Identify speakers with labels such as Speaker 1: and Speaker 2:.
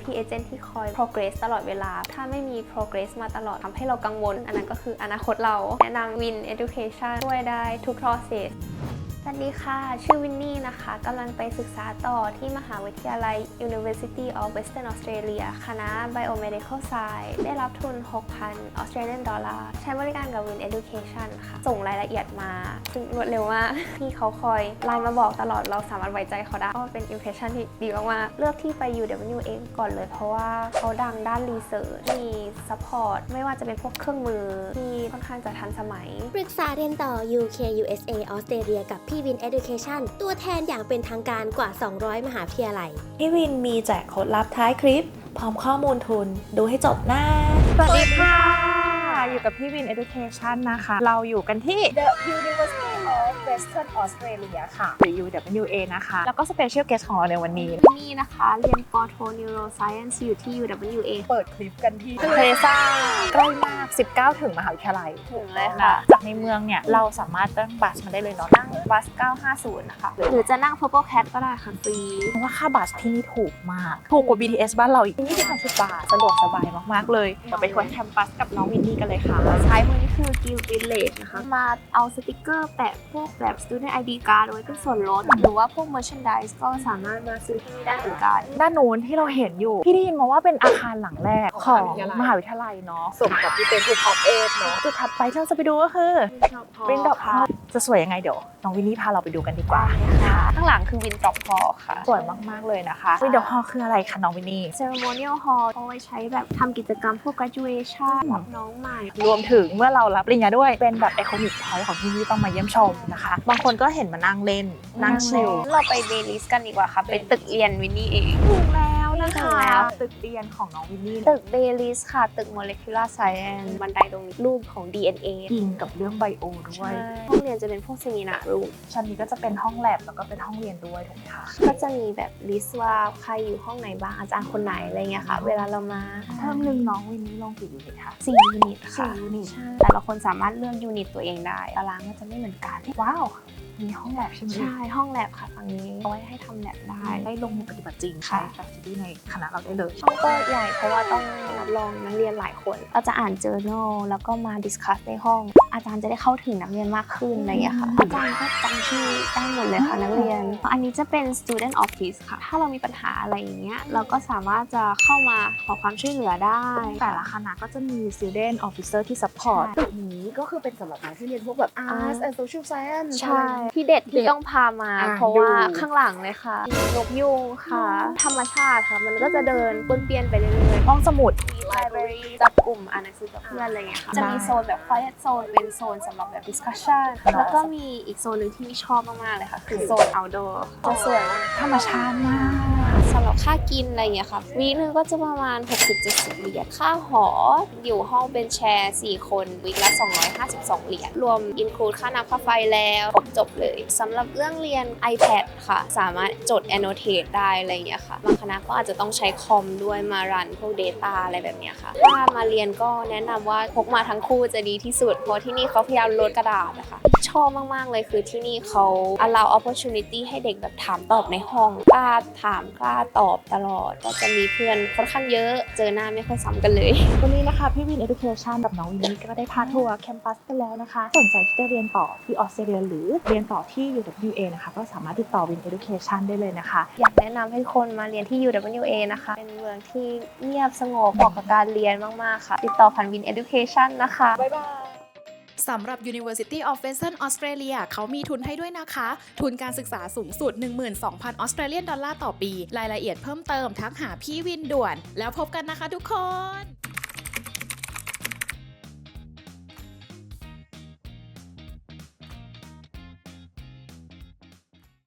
Speaker 1: UP agent ที่คอย progress ตลอดเวลาถ้าไม่มี progress มาตลอดทำให้เรากังวลอันนั้นก็คืออนาคตเราแนะนำ Win Education ช่วยได้ทุก processสวัสดีค่ะชื่อวินนี่นะคะกำลังไปศึกษาต่อที่มหาวิทยาลัย University of Western Australia คณะ Biomedical Science ได้รับทุน 6,000 Australian dollar ใช้บริการกับ Win Education ค่ะส่งรายละเอียดมาซึ่งรวดเร็วมากพี่เขาคอยไลน์มาบอกตลอดเราสามารถไว้ใจเขาได้ก็เป็น impression ที่ดีมากๆเลือกที่ไป UWA ก่อนเลยเพราะว่าเขาดังด้าน research มี support ไม่ว่าจะเป็นพวกเครื่องมือที่ค่อนข้างจะทันสมัย
Speaker 2: ปรึกษาเรียนต่อ UK USA ออสเตรเลียกับพี่วิน Education ตัวแทนอย่างเป็นทางการกว่า 200 มหาวิทยาลัย
Speaker 3: พี่วินมีแจกโค้ดลับท้ายคลิปพร้อมข้อมูลทุนดูให้จบนะ
Speaker 4: สวัสดีค่ะอยู่กับพี่วิน Education นะคะเราอยู่กันที่ The University of Western Australia ค่ะหรือ UWA นะคะแล้วก็ Special Guest ของเราในวันนี้
Speaker 1: นี่นะคะเรียนปโท Neuroscience อยู่ที่ UWA
Speaker 4: เปิดคลิปกันที่เพลซ่าใกล้มาก 19 ถึงมหาวิทยาลัย
Speaker 1: ถึงเลยค่ะ
Speaker 4: จากในเมืองเนี่ยเราสามารถนั่งบัสมาได้เลยเนาะนั่งบัส 950 นะคะ
Speaker 1: หรือจะนั่ง Purple Cat ก็ได้ค่ะฟรี
Speaker 4: เพราะว่าค่าบัสที่นี่ถูกมากถูกกว่า BTS บ้านเราอีก20 บาทสะดวกสบายมากๆเลยเราไปทัวร์แคมปัสกับน้องวินนี่กันเลยค่ะ
Speaker 1: ซ้ายมือนี่คือ Guild Village นะคะมาเอาสติกเกอร์แปะพวกแบบ Student ID Card ไว้เป็นส่วนลดหรือว่าพวก Merchandise ก็สามารถมาซื้อที่นี่ได้เหมือนกัน
Speaker 4: ด้านนู้นที่เราเห็นอยู่พี่ได้ยินมาว่าเป็นอาคารหลังแรกของมหาวิทยาลัยเนาะ
Speaker 3: สมกับที่เป็นทูท็อปเอทเนาะ
Speaker 4: จุดถัดไปที่เราจะไปดูก็คือวินดรอปฮอลจะสวยยังไงเดี๋ยวน้องวินนี่พาเราไปดูกันดีกว่า
Speaker 1: ข้างหลังคือวินดรอปฮอลค่ะ
Speaker 4: สวยมากๆเลยนะคะวินดรอปฮอลคืออะไรคะน้องวินนี่
Speaker 1: Ceremonial Hall เอาไว้ใช้แบบทำกิจกรรมพวก graduation รับน้องใหม่
Speaker 4: รวมถึงเมื่อเรารับปริญญาด้วยเป็นแบบ Iconic Point ของที่นี่ต้องมาเยี่ยมชมนะคะบางคนก็เห็นมานั่งเล่นนั่งชิล
Speaker 1: เราไปเดลิสกันดีกว่าค่ะเป็นตึกเรียนวินนี่เอง
Speaker 4: ถูกแล้วนะคะตึกเรียนของน้องวินนี่
Speaker 1: ตึกเดลิสค่ะตึก Molecular Science บันไดตรงนี้รูปของ DNA
Speaker 4: อิงกับเรื่องไบโอด้วย
Speaker 1: ห้องเรียนจะเป็นพวกเซมินาร์รูม
Speaker 4: ชั้นนี้ก็จะเป็นห้องแลบแล้วก็เป็นห้องเรียนด้วยถูกไหมคะ
Speaker 1: ก็จะมีแบบลิสต์ว่าใครอยู่ห้องไหนบ้างอาจารย์คนไหนอะไรเงี้ยค่ะเวลาเรามา
Speaker 4: เทอมนึงน้องวินนี่ลงกี่ยูนิตคะ
Speaker 1: 4 ยูนิตค่ะ
Speaker 4: 4 ยูนิต
Speaker 1: แต่ละคนสามารถเลือกยูนิตตัวเองได้ตารางก็จะไม่เหมือนกัน
Speaker 4: ว้าวมีห้องแลบใช่ไหม
Speaker 1: ใช่ห้องแลบค่ะฝั่งนี้เอาไว้ให้ทำแลบได้
Speaker 4: ลงมือปฏิบัติจริงใช่แบบที่ในคณะเราได้เลย
Speaker 1: ห้องก็ใหญ่เพราะว่าต้องรับรองนักเรียนหลายคนเราจะอ่าน journal แล้วก็มาดิสคัสในห้องอาจารย์จะได้เข้าถึงนักเรียนมากขึ้นอะไรอย่างเงี้ยค่ะอาจารย์ก็จำชื่อได้หมดเลยค่ะนักเรียนอันนี้จะเป็น student office ค่ะถ้าเรามีปัญหาอะไรอย่างเงี้ยเราก็สามารถจะเข้ามาขอความช่วยเหลือได้
Speaker 4: แต่ละคณะก็จะมี student officer ที่ support
Speaker 3: ตึกนี้ก็คือเป็นสำหรับนักที่เรียนพวกแบบ Arts and Social Science
Speaker 1: ใช่ที่เด็ดที่ต้องพามาเพราะว่าข้างหลังเลยค่ะนกยูงค่ะธรรมชาติค่ะมันก็จะเดินป้วนเปี้ยนไปเรื่อย
Speaker 4: ๆห้องสมุด
Speaker 1: มี library จับกลุ่มอ่านหนังสือกับเพื่อนอะไรเงี้ยค่ะจะมีโซนแบบ quiet zone เป็นโซนสำหรับแบบ discussion แล้วก็มีอีกโซนหนึ่งที่ชอบมากๆเลยค่ะคือโซน outdoor จะสวย
Speaker 4: ธรรมชาติมาก
Speaker 1: สำหรับค่ากินอะไรเงี้ยค่ะวีคนึงก็จะประมาณ 60-70 เหรียญค่าหออยู่ห้องเป็นแชร์4คนวีคละ252 เหรียญรวม include ค่าน้ำค่าไฟแล้วครบจบเลยสำหรับเรื่องเรียน iPad ค่ะสามารถจด annotate ได้อะไรอย่างเงี้ยค่ะบางคณะก็อาจจะต้องใช้คอมด้วยมารันพวก data อะไรแบบเนี้ยค่ะถ้ามาเรียนก็แนะนำว่าพกมาทั้งคู่จะดีที่สุดเพราะที่นี่เขาพยายามลดกระดาษนะคะชอบมากๆเลยคือที่นี่เขา allow opportunity ให้เด็กแบบถามตอบในห้องกล้าถามกล้าตอบตลอดก็จะมีเพื่อนค่อนข้างเยอะเจอหน้าไม่ค่อยซ้ำกันเลย
Speaker 4: วันนี้นะคะพี่วิน Education กับน้องวินนี่ก็ได้พาทัวร์แคมปัสกันแล้วนะคะสนใจที่จะเรียนต่อที่ออสเตรเลียหรือเรียนต่อที่ UWA นะคะก็สามารถติดต่อ Win Education ได้เลยนะคะ
Speaker 1: อยากแนะนำให้คนมาเรียนที่ UWA นะคะเป็นเมืองที่เงียบสงบเหมาะกับการเรียนมากๆค่ะติดต่อผ่าน Win Education นะคะ
Speaker 4: บ๊ายบาย
Speaker 5: สำหรับ University of Western Australia เขามีทุนให้ด้วยนะคะ ทุนการศึกษาสูงสุด 12,000 ออสเตรเลียนดอลลาร์ต่อปี รายละเอียดเพิ่มเติมทักหาพี่วินด่วน แล้วพบกันนะคะทุกคน